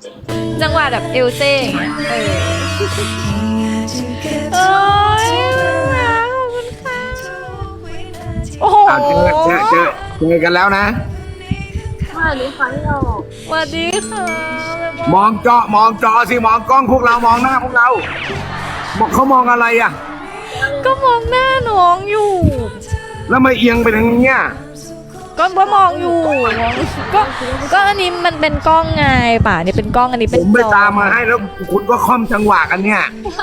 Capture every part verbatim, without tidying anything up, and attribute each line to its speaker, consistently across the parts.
Speaker 1: จังหวะแบบเอลเซ่อย่างเงี้ยเออโอ้ยขอบคุณค่ะโอ้โห
Speaker 2: อ้าวเจอเจอเจอเจอกันแล้วนะ
Speaker 3: สวัสดีค่ะพี่โยก
Speaker 1: สวัสดีค่ะ
Speaker 2: มองจอมองจอสิมองกล้องพวกเรามองหน้าพวกเราบอกเขามองอะไรอ่ะ
Speaker 1: ก็มองหน้าน้องอยู่
Speaker 2: แล้วมาเอียงไปทางเนี้ย
Speaker 1: ก็ว่ามองอยู่มองก็ก็อันนี้มันเป็นกล้องไงป่ะนี่เป็นกล้องอันนี้
Speaker 2: ผ
Speaker 1: เป็น
Speaker 2: มไป
Speaker 1: จอ
Speaker 2: ตามมาให้แล้วคุณก็ค่อมจังหวะกันเนี่ย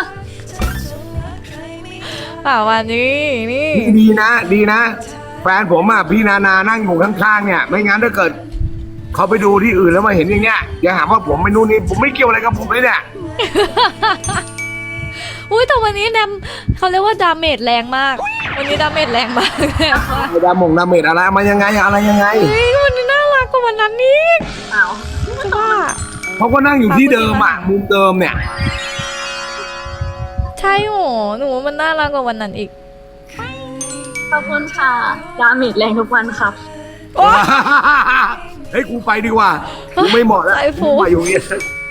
Speaker 1: ป่าวันนี้นี่
Speaker 2: ดีนะ ดีนะ แฟนผมอ่ะพี่นานานั่งอยู่ข้างๆเนี่ย ไม่งั้นถ้าเกิดเขาไปดูที่อื่นแล้วมาเห็นอย่างเงี้ยอย่าหาว่าผมไม่นู่นนี่ผมไม่เกี่ยวอะไรกับผมเลยเนี่ย
Speaker 1: อุ้ยแต่วันนี้แดมเขาเรียกว่าดาเมจแรงมาก วันนี้ดาเมจแรงมาก
Speaker 2: ไอ้ดามงดาเมจอะไรมายังไงอะไรยังไง
Speaker 1: เฮ้ยวันนี้น่ารักกว่าวันนั้นนี่
Speaker 3: อ้าว
Speaker 1: ใช่ป่ะ
Speaker 2: เขาก็นั่งอยู่ที่เดิมอ่ะมุมเดิมเนี่ย
Speaker 1: ใช่โหหนูว่ามันน่ารักกว่าวันนั้นอีก
Speaker 3: ขอบคุณค่ะดาเมจแรงทุกวันครับ
Speaker 1: โอ๊ย
Speaker 2: เฮ้ยกูไปดีกว่ากูไม่เหมาะแล้ว
Speaker 1: ไอ้ฟู
Speaker 2: กูมาอยู่เนี่ย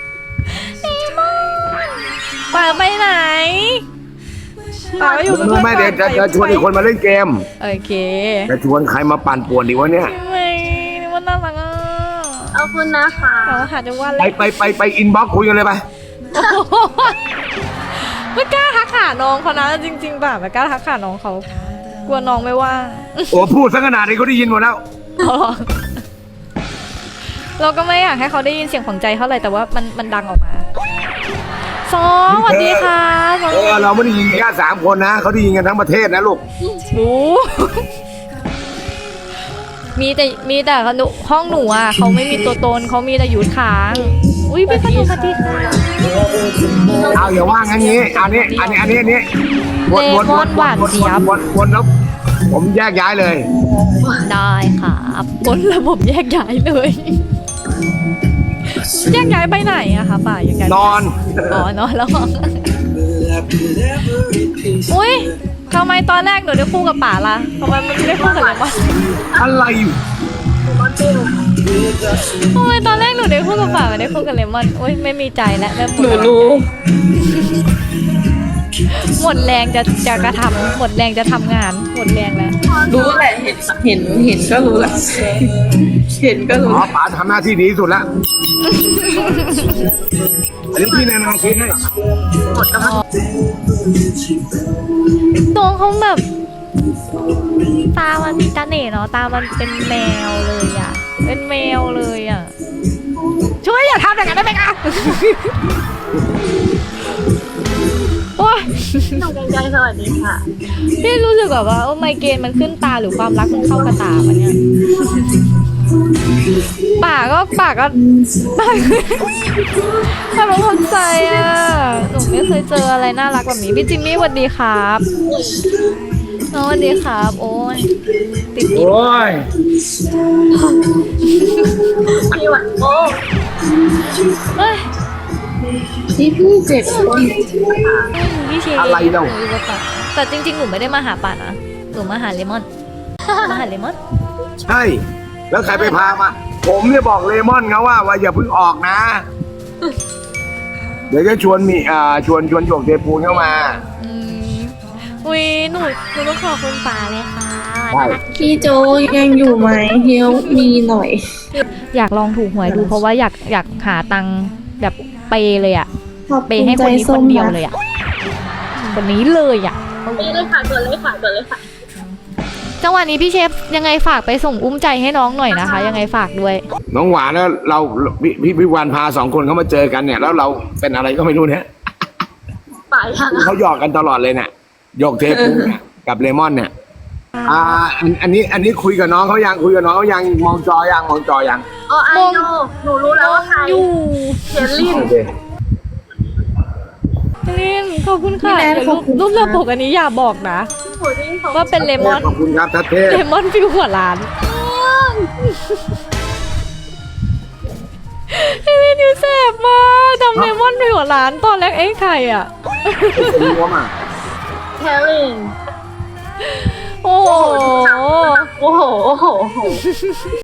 Speaker 1: ป่าไปไหนป่าไม่อยู่เป็น
Speaker 2: รู้
Speaker 1: เพื่อน
Speaker 2: ไหมเดี๋ยวจะจะชวนอีกคนมาเล่นเกม
Speaker 1: โอเค
Speaker 2: จะชวนใครมาปั่นป่วนดีวะเนี่ย
Speaker 1: ไม่นี่ว่าน่ารักอ่ะ
Speaker 3: ขอบคุณนะคะ
Speaker 1: แต่ว่าหาจังหวะ
Speaker 2: ไป
Speaker 1: เล็ก
Speaker 2: ไปไปไปอินบ็อกซ์คุยกันเลยไป
Speaker 1: ไม่กล้าทักหาน้องเขานะจริงๆป่ะไม่กล้าทักหาน้องเขากลัวน้องไม่ว่าง
Speaker 2: โอ้พูดซะขนาดนี้เขาได้ยินหมดแล้ว
Speaker 1: เราก็ไม่อยากให้เขาได้ยินเสียงของใจเท่าไหร่แต่ว่ามันมันดังออกมาสองสวัสดีค่ะสอง
Speaker 2: เออเราไม่ได้ยินแค่สามคนนะเขาได้ยินกันทั้งประเทศนะลูก
Speaker 1: รู้ มีแต่มีแต่หนูห้องหนูอ่ะเขาไม่มีตัวตนเขามีแต่หยุดค้างอุ้ยพี่ขนมสวัสดีค่ะ
Speaker 2: เอาอย่าว่างั้นงี้อันนี้อันนี้อันนี้อันนี้วนวนวนวนวนวนวนแล้วผมแยกย้ายเลย
Speaker 1: ได้ค่ะกดระบบแยกย้ายเลยแยกย้ายไปไหนอะคะป่าแยกย้าย
Speaker 2: นอน
Speaker 1: อ๋อนอนแล้วอุ้ยทำไมตอนแรกหนูได้คู่กับป่าล่ะทำไมมันไม่ได้คู่กับเลมอน
Speaker 2: อะไรอยู่
Speaker 1: ทำไมตอนแรกหนูได้คู่กับป่าไม่ได้คู่กับเลมอนอุ้ยไม่มีใจแล้วเริ่มหม
Speaker 3: หนู
Speaker 1: ด
Speaker 3: รู้
Speaker 1: หมดแรงจะจะกระทำหมดแรงจะทำงานหมดแรงแล้ว
Speaker 4: รู้แหละเห็นเห็นเห็นก็รู้แหละเห็นก็รู้
Speaker 2: อ๋อป๋าทำหน้าที่ดีที่สุดละอันนี้พี่นานาคิดให้
Speaker 3: หมดกำลัง
Speaker 1: ตัวเขาแบบตามันมีตาเหน่เนาะตามันเป็นแมวเลยอ่ะเป็นแมวเลยอ่ะช่วยอย่าทำอย่างนั้นได้ไหมคะโอ้ย
Speaker 3: หนูใจสวัสดีค่ะ
Speaker 1: พี่รู้สึกแบบว่าโอ้ไมเกรนมันขึ้นตาหรือความรักมันเข้ากระตาปะเนี่ยปากก็ปากก็ปากทำไมคนใจอ่ะหนูไม่เคยเจออะไรน่ารักแบบนี้พี่จิมมี่สวัสดีครับน้องสวัสดีครับโอ้ยติด
Speaker 2: โอ้ย
Speaker 3: พี่วันโอ้
Speaker 1: เฮ้ย
Speaker 4: พี่พี่เจ็ดคน
Speaker 1: พี่เชียร์
Speaker 2: อะไรเล่า
Speaker 1: หนูอยู่กับป่าแต่จริงๆหนูไม่ได้มาหาป่านะหนูมาหาเลมอนมาหาเลมอน
Speaker 2: ใช่ แล้วใครไปพามา ผมเนี่ยบอกเลมอนเขาว่าว่าอย่าเพิ่งออกนะ เดี๋ยวจะชวนมีอ่าชวนชวนหยกเทปูนเข้ามา
Speaker 1: อืมอุ้ยหนูหนูต้องขอบคุณป่าเลยค่ะ
Speaker 2: ใช่
Speaker 4: พี่โจยังอยู่ไหมเฮลมีหน่อย
Speaker 1: อยากลองถูกหวยดูเพราะว่าอยากอยากหาตังค์แบบเปย์เลยอะ
Speaker 4: ขอบ
Speaker 1: เป
Speaker 4: คุ
Speaker 1: ย์
Speaker 4: ณ
Speaker 1: ให้
Speaker 4: ใจ
Speaker 1: คนนี้ค
Speaker 4: ส้
Speaker 1: น
Speaker 4: ม
Speaker 1: เดียว
Speaker 4: นะ
Speaker 1: เลยอะคนนี้เลยอะ
Speaker 3: นี่เลยค่ะตัวเลยค่ะตัวเลยค่ะ
Speaker 1: จังหวะนี้พี่เชฟยังไงฝากไปส่งอุ้มใจให้น้องหน่อยนะคะ ยังไงฝากด้วย
Speaker 2: น้องหวานแล้วเราพี่พี่พิวานพาสองคนเขามาเจอกันเนี่ย แล้วเราเป็นอะไรก็ไม่รู้เนี่ย
Speaker 3: ป่ายัง
Speaker 2: เขาหยอกกันตลอดเลยเนี่ยหยกเทปูนเนี่ยกับเลมอนเนี่ย อ่าอันอันนี้อันนี้คุยกับน้องเขายังคุยกับน้องเขายังมองจอยังมองจอยัง
Speaker 3: อ๋อไอโนหนูรู้แล้วว่าใคร
Speaker 1: อยู่
Speaker 3: เชลลิน
Speaker 2: โอเค
Speaker 1: ลินขอบคุณค่ะ
Speaker 4: พี่แนน
Speaker 1: เดี๋ยว
Speaker 4: ข
Speaker 1: รู
Speaker 4: อบ
Speaker 1: ป
Speaker 4: คุณ
Speaker 1: รูป
Speaker 4: ค่ะ
Speaker 1: ระปกอันนี้อย่าบอกนะ
Speaker 3: โหนี่เขา
Speaker 1: ว่าเป็นเลมอน
Speaker 2: ขอบคุณครับทัศเทพ
Speaker 1: เลมอนฟิวหัวล้านพี่ลินอยู่แสบมากทำเลมอนฟิวหัวล้านตอนแรกเอ๊ะใครอะ
Speaker 2: รู้ว่ามา
Speaker 3: เชลลิน
Speaker 1: โอ้โห
Speaker 3: โอ้โหโอ้โหโอ้โห